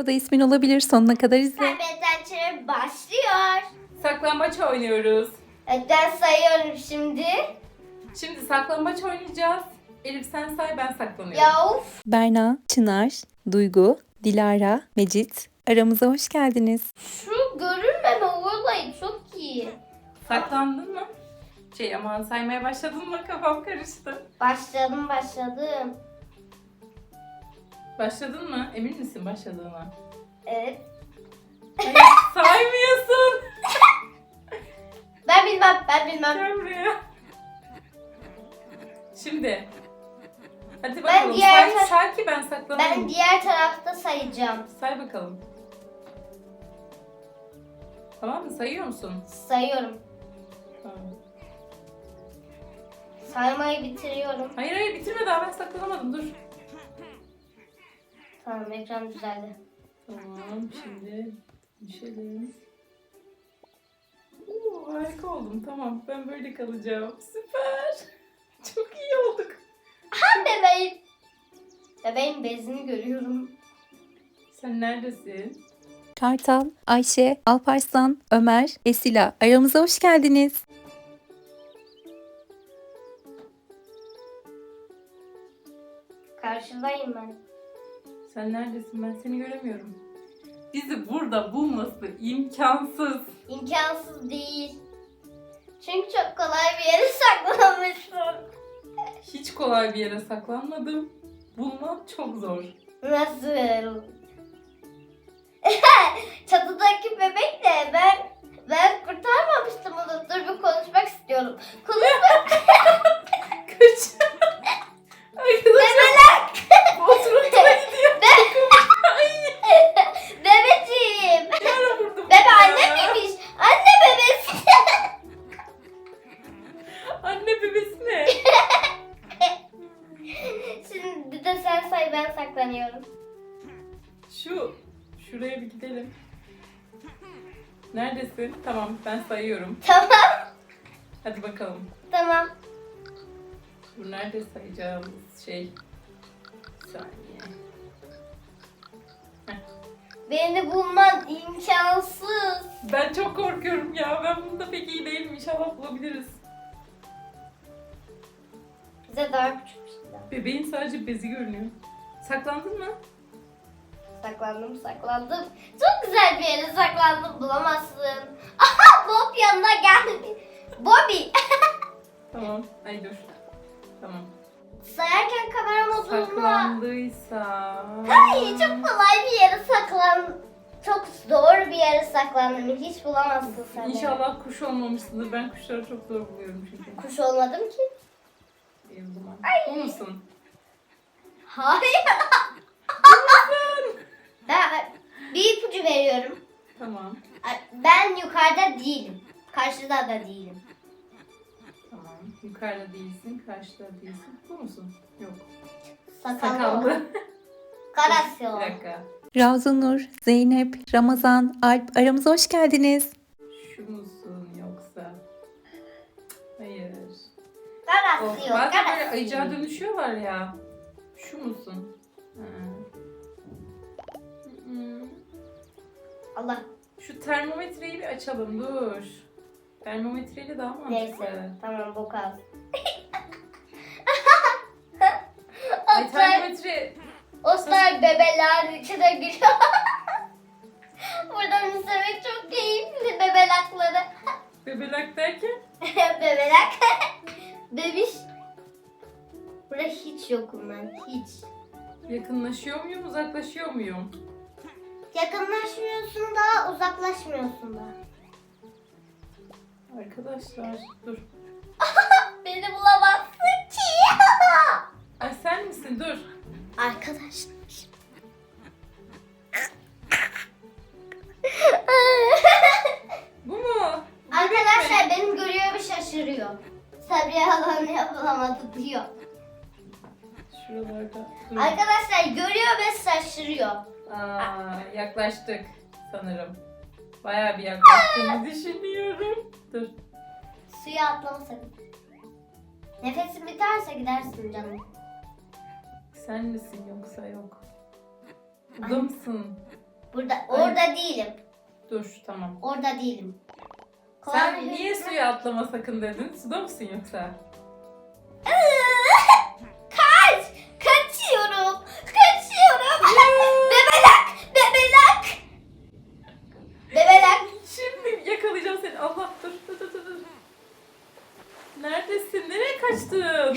O da ismin olabilir. Sonuna kadar izle. Kaybeden başlıyor. Saklambaç oynuyoruz. Evet, ben sayıyorum şimdi. Şimdi saklambaç oynayacağız. Elif sen say, ben saklanıyorum. Ya of. Berna, Çınar, Duygu, Dilara, Mecit. Aramıza hoş geldiniz. Şu görünmeme olayı çok iyi. Saklandın mı? Aman saymaya başladın mı? Kafam karıştı. Başladım. Başladın mı? Emin misin başladığına? Evet. Hayır, saymıyorsun. Ben bilmem. Gel buraya. Şimdi. Hadi bakalım. diğer Say ki ben saklanayım. Ben diğer tarafta sayacağım. Say bakalım. Tamam mı? Sayıyor musun? Sayıyorum. Tamam. Saymayı bitiriyorum. Hayır bitirme, daha ben saklanamadım, dur. Tamam, ekran düzeldi. Tamam, şimdi düşelim. Harika oldum, tamam, ben böyle kalacağım. Süper. Çok iyi olduk. Ha, bebeğim. Bebeğin bezini görüyorum. Sen neredesin? Kartal, Ayşe, Alparslan, Ömer, Esila. Aramıza hoş geldiniz. Karşıdayım ben. Sen neredesin? Ben seni göremiyorum. Bizi burada bulması imkansız. İmkansız değil. Çünkü çok kolay bir yere saklamışsın. Hiç kolay bir yere saklanmadım. Bulmak çok zor. Nasıl? Çatıdaki bebek de ben kurtarmamıştım onu. Dur, bir konuşmak istiyorum. Konuşmak. Kaç. Arkadaşlar. Bu oturumda gidiyor. Bebeciğim. Nerede vurdum? Bebe anne miymiş? Anne bebesi. Anne bebesi ne? Şimdi de sen say, ben saklanıyorum. Şuraya bir gidelim. Neredesin? Tamam, ben sayıyorum. Tamam. Hadi bakalım. Tamam. Bu nerede sayacağımız şey? Bir saniye. Beni bulman imkansız. Ben çok korkuyorum ya. Ben bunda pek iyi değilim. İnşallah bulabiliriz. Bize daha küçük bir şey daha. Bebeğin sadece bezi görünüyor. Saklandın mı? Saklandım. Çok güzel bir yere saklandım, bulamazsın. Aha, Bob yanına geldi. Bobby. Tamam. Ay dur. Tamam. Sayarken kamera modunda. Saklandıysa... Hayır, çok kolay bir yere çok zor bir yere saklandım. Hiç bulamazsın sen. İnşallah kuş olmamışsındır. Ben kuşları çok zor buluyorum çünkü. Kuş olmadım ki. İyi o zaman. Bu musun? Hayır. Ben bir ipucu veriyorum. Tamam. Ben yukarıda değilim. Karşıda da değilim. Tamam. Yukarıda değilsin, karşıda değilsin. Bu musun? Yok. Sakallı. Karasyon. Bir dakika. Ravzanur, Zeynep, Ramazan, Alp. Aramıza hoş geldiniz. Şu musun yoksa? Hayır. Karasyon. Bazen böyle ayıcağa dönüşüyorlar ya. Şu musun? Ha. Hı. Allah. Şu termometreyi bir açalım, dur. Termometreyle daha mantıklı. Neyse. Tamam, bu kalsın. Ay termometre... Ostar bebeler içine giriyor. Buradan izlemek çok keyifli, bebelakları. Bebelak derken? Bebelak. Bebiş. Burada hiç yokum ben, hiç. Yakınlaşıyor muyum, uzaklaşıyor muyum? Yakınlaşmıyorsun da, uzaklaşmıyorsun da. Arkadaşlar dur. Beni bulamazsın ki. Ay sen misin? Dur. Arkadaşlar. Bu mu? Arkadaşlar benim görüyor ve şaşırıyor. Sabriye halam yapılamadı diyor. Şuralarda. Dur. Arkadaşlar görüyor ve şaşırıyor. Yaklaştık sanırım. Bayağı bir yaklaştığımı düşünüyorum. Dur. Suya atlama sakın. Nefesin biterse gidersin canım. Sen misin yoksa yok? Burada mısın? Orada değilim. Dur tamam. Orada değilim. Sen Kolay niye gelsin. suya atlama sakın dedin? Suda mısın yoksa? Kaç! Kaçıyorum! Kaçıyorum! Bebelak! Bebelak! Bebelak! Şimdi yakalayacağım seni. Allah dur dur dur dur. Neredesin? Nereye kaçtın?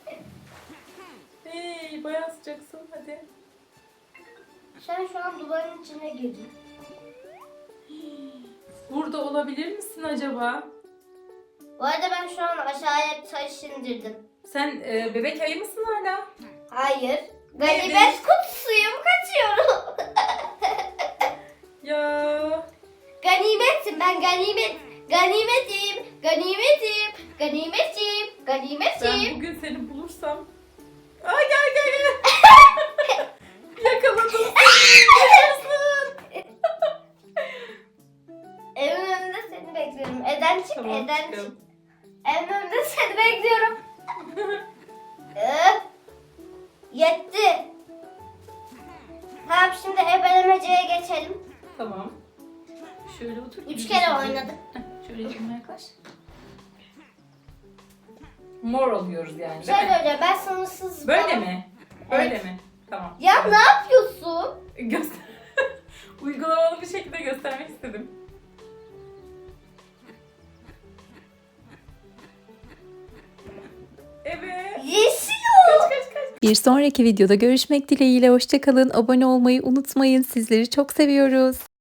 Hey bayağı sıcaksın hadi. Sen şu an duvarın içine girdin. Burada olabilir misin acaba? Bu arada ben şu an aşağıya taş indirdim. Sen bebek ayı mısın hala? Hayır. Neydi? Ganimet kutusuyum. Kaçıyorum. Ya Ganimetim ben ganimet. Ganimetim. Ganimetim. Ganimetim. ben Ganimetim. bugün seni bulursam. Aa gel gel gel. Yakaladım seni. Yaşasın. Evin önünde seni bekliyorum. Eden çık, Tamam, eden çık. çıkalım. Evin önünde seni bekliyorum. Öf. Yetti. Tamam şimdi ebelemeceye geçelim. Tamam. Şöyle otur. 3 kere oynadık. Heh, şöyle yanıma yaklaş. Mor oluyoruz yani Şey değil mi? böyle ben sınırsız Böyle falan- mi? Böyle Evet. mi? Tamam. Ya Evet. ne yapıyorsun? Göster. Uygulamalı bir şekilde göstermek istedim. Evet. Yeşil Kaç kaç kaç. Bir sonraki videoda görüşmek dileğiyle hoşça kalın. Abone olmayı unutmayın. Sizleri çok seviyoruz.